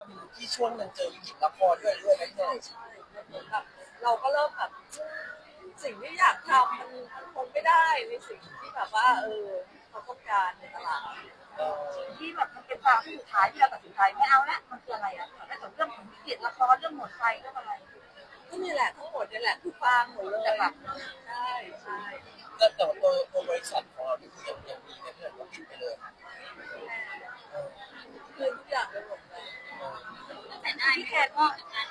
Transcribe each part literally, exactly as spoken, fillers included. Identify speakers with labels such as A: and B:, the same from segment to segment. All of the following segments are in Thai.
A: ที่ช่วงหนึ่งเจอวิกฤตละครด้วยด้วยไหมพี่หน่อย
B: ใช่ใช่เหมือนแบบเราก็เริ่มแบบสิ่งที่อยากทำมันมันคงไม่ได้ในสิ่งที่แบบว่าเออเขาต้องการในตลาด
A: เออ
C: ที่แบบมันเป็นความสุดท้ายที่เราตัดสินใจไม่เอาละมันคืออะไรอ่ะไม่สนเรื่องของวิกฤตละครเรื่องหมดไฟเรื่องอะไร
B: ก็นี่แหละทั้งหมดนี่แหละคือฟางหมดเลยแบบใช่ใช่
A: แต่แต่ว่าตัวตัวบริษัทของเราที่คือยังยังมีในเรื่องของปิดไปเลย
B: คืนทุกอย่างไปหมดเลย
C: แต่ได้พี่แคนก็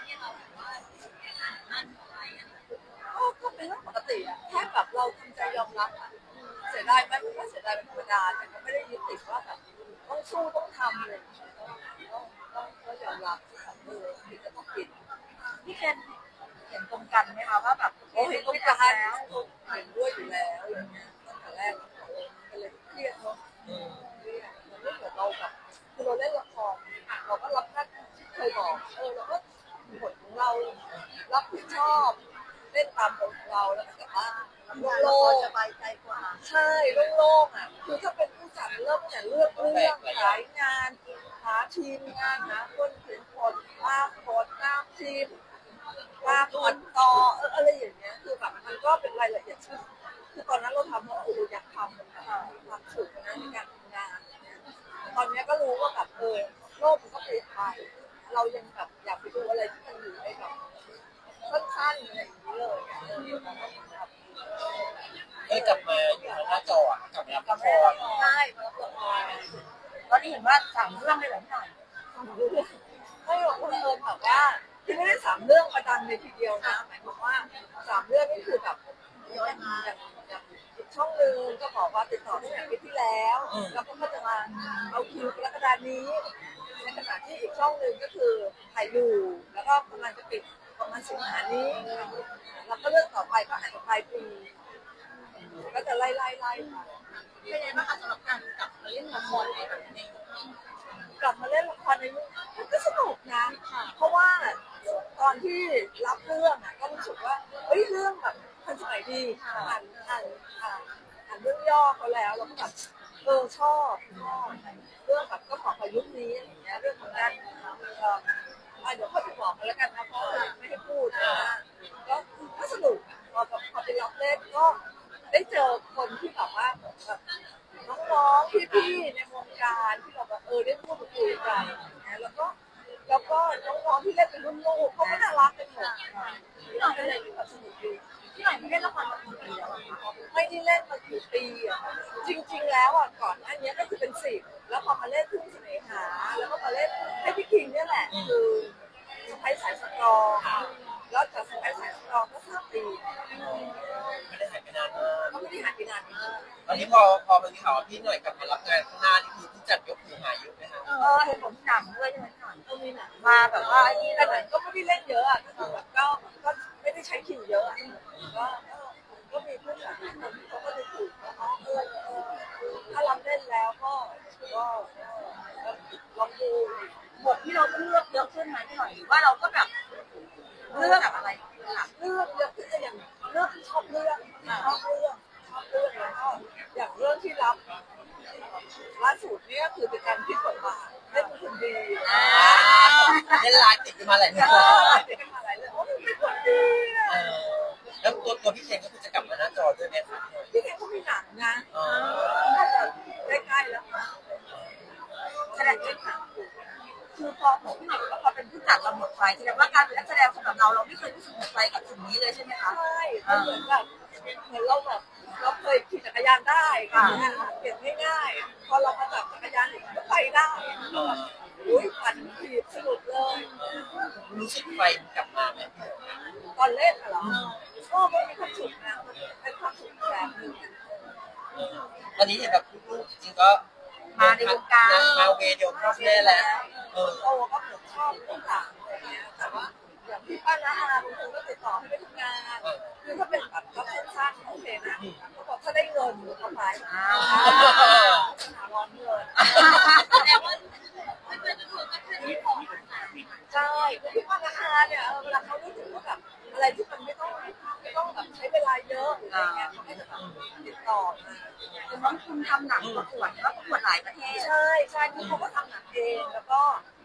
B: ก็ก็เป็นเรื่องปกติอะแค่แบบเราทำใจยอมรับอะเสียดายไหมมันก็เสียดายเป็นธรรมดาแต่ก็ไม่ได้ยึดติดว่าแบบต้องสู้ต้องทำเลยต้องต้องก็ยอมรับที่แบบเออผิดก็ต้องผิด
C: พี่แคนเห็นตรงกันไหมคะว่าแบบ
B: โอ้เห็นต้องการแล้วเห็นด้วยอยู่แล้วอย่างเงี้ยตั้งแต่แรกก็เลยเครียดเนาะเครียดมันไม่เหมือนเราแบบคือเราเล่นละครเราก็รับหน้าที่เคยบอกเออเราก็บทของเรารับผิดชอบเล่นตามบทของเราแล้วก็กลับบ้านโล่งๆสบายใจกว่าใช่โล่งๆอ่ะคือถ้าเป็นผู้จัดเริ่มแต่เลือกเรื่องขายงานหาทีมงานหาคนเขียนบทภาพบทหน้าทีม ว่าผลต่อเอออะไรอย่างเงี้ยคือแบบมันก็เป็นรายละเอียดที่คือตอนนั้นเราทำเพราะเอออยากทำมันแบบมีความสุขนะในการทำงานอย่างเงี้ยตอนนี้ก็รู้ว่าแบบเออโลกมันก็เปลี่ยนไปเรายังแบบอยากไปดูอะไรที่มันอยู่ในแบบสั้นๆอะไรอย่างนี้เลยอะเออแบบ
A: เอ้ยกลับมาอยู่ทางหน้าจออะกลับมารับละคร
B: ใช่มารับละคร
C: ตอนนี้เห็นว่าสั่งเรื่องเลยเหรอพี่หน่อย
B: ไม่หรอกบังเอิญแบบว่าที่ไม่ได้สามเรื่องมาดังในทีเดียวนะหมายความว่าสามเรื่องนี่คือแบบย้อยมาอย่างอย่างอีกช่องหนึ่งก็บอกว่าติดต่อตั้งแต่ปีที่แล้วแล้วก็จะมาเอาคิวกรกฎานี้ในขณะที่อีกช่องหนึ่งก็คือถ่ายอยู่แล้วก็กำลังจะปิดประมาณสิงหานี้แล้วก็เรื่องต่อไปก็อาจจะปลายปีก็จะไล่ไล่ไล่ไปเป็นไงบ้างคะสำหรับการกลับมาเล่นละครในแบบนี้ กลับมาเล่นละครในยุคมันก็สนุกนะ เพราะว่าตอนที่รับเรื่องอ่ะก็รู้สึกว่าเฮ้ยเรื่องแบบทันสมัยดีอ่านอ่านอ่านอ่านเรื่องย่อเขาแล้วเราก็แบบเออชอบชอบเรื่องแบบก็ของประยุกต์นี้อะไรอย่างเงี้ยเรื่องของการเอ่ออ่ะเดี๋ยวค่อยไปบอกกันแล้วกันนะเพราะว่าไม่ให้พูดนะก็ก็สนุกพอพอไปรับเล่นก็ได้เจอคนที่แบบว่าแบบน้องๆพี่ๆในวงการที่เราแบบเออได้พูดคุยกันนะแล้วก็แล้วก็น้องๆที่เล่นเป็นรุ่นลูกเขาก็น่ารักกันหมดเราเป็นอะไรที่แบบสนุกดี
C: พี่หน่อยไม่เล่นละครมากี่ปีแล้วอะคะ
B: ไม่ได้เล่นมากี่ปีอ่ะจริงๆแล้วอ่ะก่อนอันนี้ก็คือเป็นสิบแล้วพอมาเล่นทุ่งเสน่หาแล้วก็มาเล่นให้พี่คิงเนี่ยแหละคือสไปสายสตรองแล้วจากสไปสายสตรองก็สามปี
A: ไม่ได้หายไปนานมาก
B: ก็ไม่ได้หายไปนานมาก
A: ตอนนี้พอพอมันมีข่าวว่าพี่หน่อยกลับมารับงานข้างหน้านี่คือผู้จัดยกหูหาเยอะไหมคะ
C: เออเห็นผมหนังด้วยใช่ไหมพี่หน่อย
B: ก็มีหนัง
C: มาแบบว่าไอ้นี่
B: แต่
C: เล
B: หนั
C: ย
B: งก็ไม่ได้เล่นเยอะอ่ะก็คือแบบก็ก็ไม่ได้ใช้คิวเยอะอะก็ก็ก็มีผู้จัดคนที่เขาก็จะถูกว่าอ๋อเออเออถ้ารับเล่นแล้วก็ก็ก็ลองดู
C: บทที่เราต้องเลือกเยอะขึ้นไหมพี่หน่อยหรือว่าเราก็แบบเลือกแบบอะไรค่ะ
B: เลือกเลือกที่จะอย่างเลือกชอบเรื่องชอบเรื่องชอบเรื่องแล้วก็อย่างเรื่องที่รับล่าสุดเนี่ยคือเป็นการพิจารณาเล่นเป็นคนดี
A: เล่นไลน์ติดกันมาหลายเรื่
B: เอ
A: อง
B: อเป็นกันมาหลายเรื่องโอ้มันเป็นคนดีอะ
A: เออแล้วตัวตัวพี่เคนก็คือจะกลับมาหน้าจอด้วยไหมคะ
B: พี่แกเขามีหนังนะ
A: อ๋อ
B: น่าจะใกล้ๆแล้วนะแสดงเล่นหนัง
C: คือพอผมพี่หน่อยบอกว่าพอเป็นผู้จัดเราหมดไฟแสดงว่าการเป็นนักแสดงสำหรับเราเราไม่เคยรู้สึกหมดไฟกับสิ่งนี้เลยใช่ไหมคะ
B: ใช่มันเหมือนแบบเหมือนเราแบบเราเคยขี่จักรยานได้ค่ะเปลี่ยนง่ายๆพอเรามาจับจักรยานอีกก็ไปได้อุ้ยปั่นขี่สนุกเลย
A: รู้สึกไฟมันกลับมาไหม
B: ตอนเล่นอะเหรอก็มันมีความสุขนะมันเป็นความสุขแบบหนึ่ง
A: เออตอนนี้เห็นแบบลูกๆจริงๆก็
C: มาในวงการ
A: มาเวเดียวพ่อแม่แล้วเออ
B: โตก็เหมือนชอบทุกอย่างอะไรเงี้ยแต่ว่าอย่างพี่ป้าน้าอาบางคนก็ติดต่อให้ไปทำงานคือถ้าเป็นแบบรับสั้นๆโอเคนะเขาบอกถ้าได้เงินเขาไปหาร้อนเงิน
C: แสดงว่าไม่เป็นตัวก็คือที่ของ
B: ใช่คือพี่ป้าน้าอาเนี่ยเวลาเขารู้สึกว่าแบบอะไรที่มันไม่ต้องไม่ต้องแบบใช้เวลาเยอะหรืออะไรเงี้ยเขาก็จะแบบติดต่อมา
C: น้องคุณทำหนังประกวดแล้วประกวดหลายประเทศ
B: ใช่ใช่คือเขาก็ทำหนังเองแล้วก็อย่าง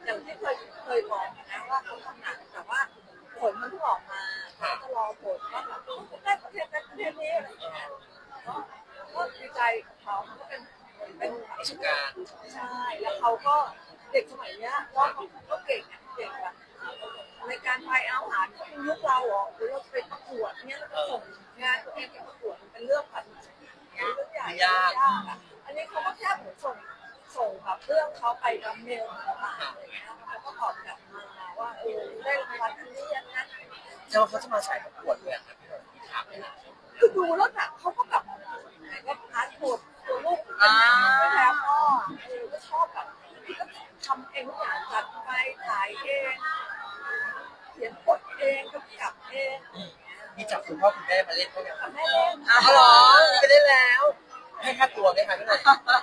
B: อย่างที่เคยเคยบอกนะว่าเขาทำหนังแต่ว่าผลมันเพิ่งออกมาเขาจะรอผลว่าแบบได้ประเทศนั้นประเทศนี้อะไรอย่างเงี้ยก็ก็ดีใจกับเขาเขาก็เป็นเป็น
A: ประสบการณ์
B: ใช่แล้วเขาก็เด็กสมัยเนี้ยก็ก็เก่งเก่งแบบในการไปอาหารก็เป็นยุคเราเหรอหรือเราไปประกวดเนี้ยแล้วก็ส่งงานตัวเองไปประกวดเป็นเรื่องแบบเรื่องใหญ่ยากอ่ะอันนี้เขาก็แค่เหมือนส่งส่งแบบเรื่องเขาไปกับเมลมาอะไรเงี้ยเขาก็ตอบกลับมาว่าเออได้รางวัลอันนี้อันนั้น
A: เจ้าเขาจะมาสายประกวดเลยครับพี่หน่อยถามเลยนะ
B: คือดูแล้วแบบเขาก็แบบก็พาร์ทตัวตัวลูกไม่แล้วก็เออก็ชอบแบบที่ก็ทำเองทุกอย่างจัดไปถ่ายเองเขียนบทเองกำกับเอง
A: มีจับคุณพ่อคุณแม่มาเล่นเขาอย่าง
B: ทำให้เล่น
A: อ้าวเหรอไปได้แล้ว ให้ค่าตัวไหมคะพี่หน่อย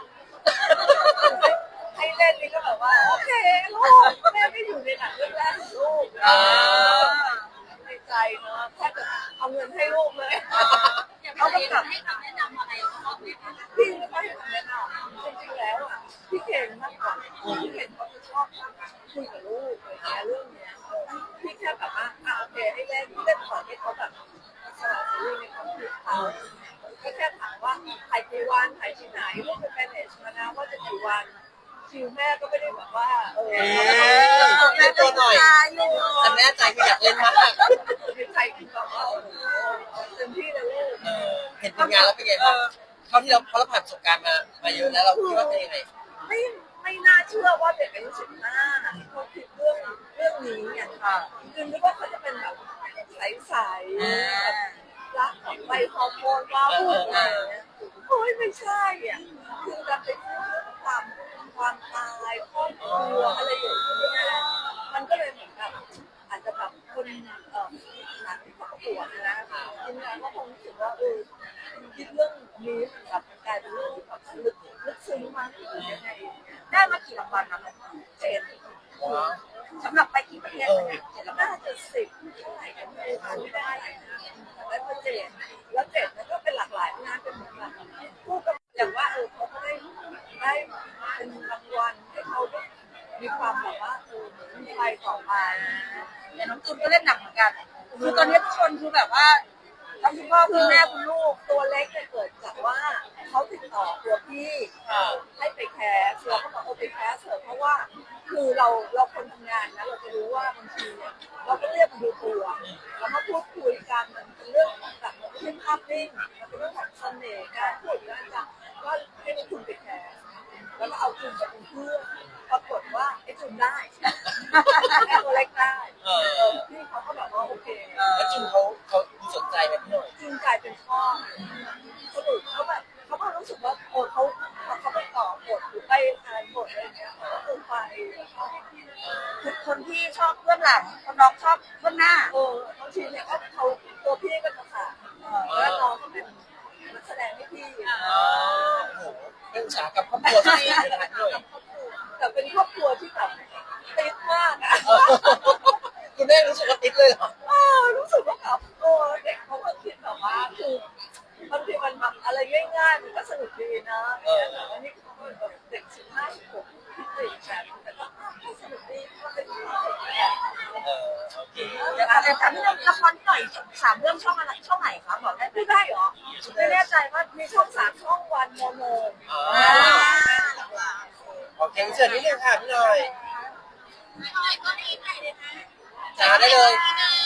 B: ให้เล่นนี่ก็แบบว่าโอเคลูกแม่ไม่อยู่ในหนังเรื่องแรกของลูกในใจเนาะแค่จะเอาเงินให้ลูกเลย
C: เขาก็แบบให้คำแนะนำอะไรเขาไหมคะ
B: พี่ไม่ค่อยเห็นแนะนำจริงๆแล้วอ่ะพี่เก่งมากกว่าพี่เก่งเขาจะชอบคุยกับลูกอะไรเงี้ยเรื่องเนี้ยพี่แค่แบบว่าอ่ะโอเคให้เล่นเล่นก่อนให้เขาแบบสละชีวิตในความคิดเขาก็แค่ถามว่าถ่ายกี่วันถ่ายที่ไหนลูกเป็นแมเนจมานะว่าจะกี่วันคิวแม่ก็ไม่ได้แบบว่าเออ
A: เล่นตัวหน่อยแต่แม่ใจคืออยากเล่นมาก
B: ใจคือแบบว่าเต็มที่เลยลูก
A: เออเห็นผลงานแล้วเป็นไงบ้างเท่าที่เราเพราะเราผ่านประสบการณ์มามาเยอะแล้วเราคิดว่าเป็นยังไง
B: ไม่ไม่น่าเชื่อว่าเด็กอายุสิบห้าเขาคิดเรื่องเรื่องนี้เนี่ยค่ะคือนึกว่าเขาจะเป็นแบบใสๆแบบรักของใบฮอร์โมนว้าวุ่นอะไรเงี้ยโอ้ยไม่ใช่อ่ะคือจะเป็นเรื่องความความตายครอบครัวอะไรอย่างเงี้ยมันก็เลยเหมือนแบบอาจจะแบบคนเอ่อหนังที่ประกวดนะทีมงานก็คงรู้สึกว่าเออคิดเรื่องนี้มันแบบกลายเป็นเรื่องที่แบบลึกลึกซึ้งมากหรือยังไง
C: ได้มากี่รางวัลนะ
B: เจ็ด
A: ว้าว
C: สำหรับไปกี่ประเทศเนี่ย
B: น่าจะสิบเท่าไหร่กันไม่รู้ไม่ได้นะแล้วก็เจ็ดแล้วเจ็ดนั้นก็เป็นหลากหลายงานเป็นเหมือนแบบผู้กำกับอย่างว่าเออเขาก็ได้ได้เป็นรางวัลให้เขาได้มีความแบบว่าเออมีไปต่อไป
C: แต่น้องตูนก็เล่นหนักเหมือนกันคือตอนนี้ทุกคนคือแบบว่าทั้งคุณพ่อคุณแม่คุณลูก
B: ตัวเล็กเนี่ยเกิดจากว่าเขาติดต่อตัวพี่ให้ไปแคสเราก็บอกเออไปแคสเถอะเพราะว่าคือเราเราคนทำงานนะเราจะรู้ว่าบางทีเนี่ยเราก็เรียกมาดูตัวแล้วมาพูดคุยกันมันเป็นเรื่องของแบบมันไม่ใช่ภาพนิ่งมันเป็นเรื่องของเสน่ห์การพูดกันจะก็ให้คุณไปแคสแล้วก็เอาคุณไปเป็นเพื่อนปรากฏว่าไอ้จุนได้ไอ้ตัวเล็กได้เออพี่เขาก็แบบว่าโอเค
A: แล้วจุนเขาเขาสนใจไหมพี่หน่อย
B: จริงกลายเป็นชอบสนุกเขาแบบเขาก็รู้สึกว่าโอ้เขาเขาไปต่อบทหรือไปอ่านบทอะไรเงี้ยเขาคือไป
C: คือคนที่ชอบเบื้องหลังคนน้องชอบเบื้องหน้า
B: เออบางทีเนี่ยก็เขาตัวพี่ก็จะขาดแล้วน้องก็เป็นนักแสดงให้พี่
A: อ๋อโหเป็นอุตสาหกรรมครอบครัวที่ดีเลยนะพี่หน่อย
B: แต่เป็นครอบครัวที่แบบติดมากอ่ะ
A: คุณแม่รู้สึกว่าติดเลยเหรอ
B: เออรู้สึกว่าแบบโอ้เด็กเขาก็คิดแบบว่าคือบางทีมันแบบอะไรง่ายๆมันก็สนุกดีนะแต่ว่านี่เขาแบบเด็กสิบห้าสิบหกคิดติดแบบแต่ก็สนุกดีก็เป็นที่สุดแบบ
A: เออโอเค
C: เดี๋ยวแต่ถามนิดนึงละครที่หน่อยสามเรื่องช่องอะไรช่องไหนคะบอกได้ไหม
B: ไม่ได้เหรอไม่แน่ใจว่ามีช่องสามช่องวันโมโน
A: อ๋อโอเคเชิญนิดนึงค่ะพี่หน่อย
C: ไม่หน่อยก็ได้ไหนเลยนะ
A: จ้าได้เลย
C: ได้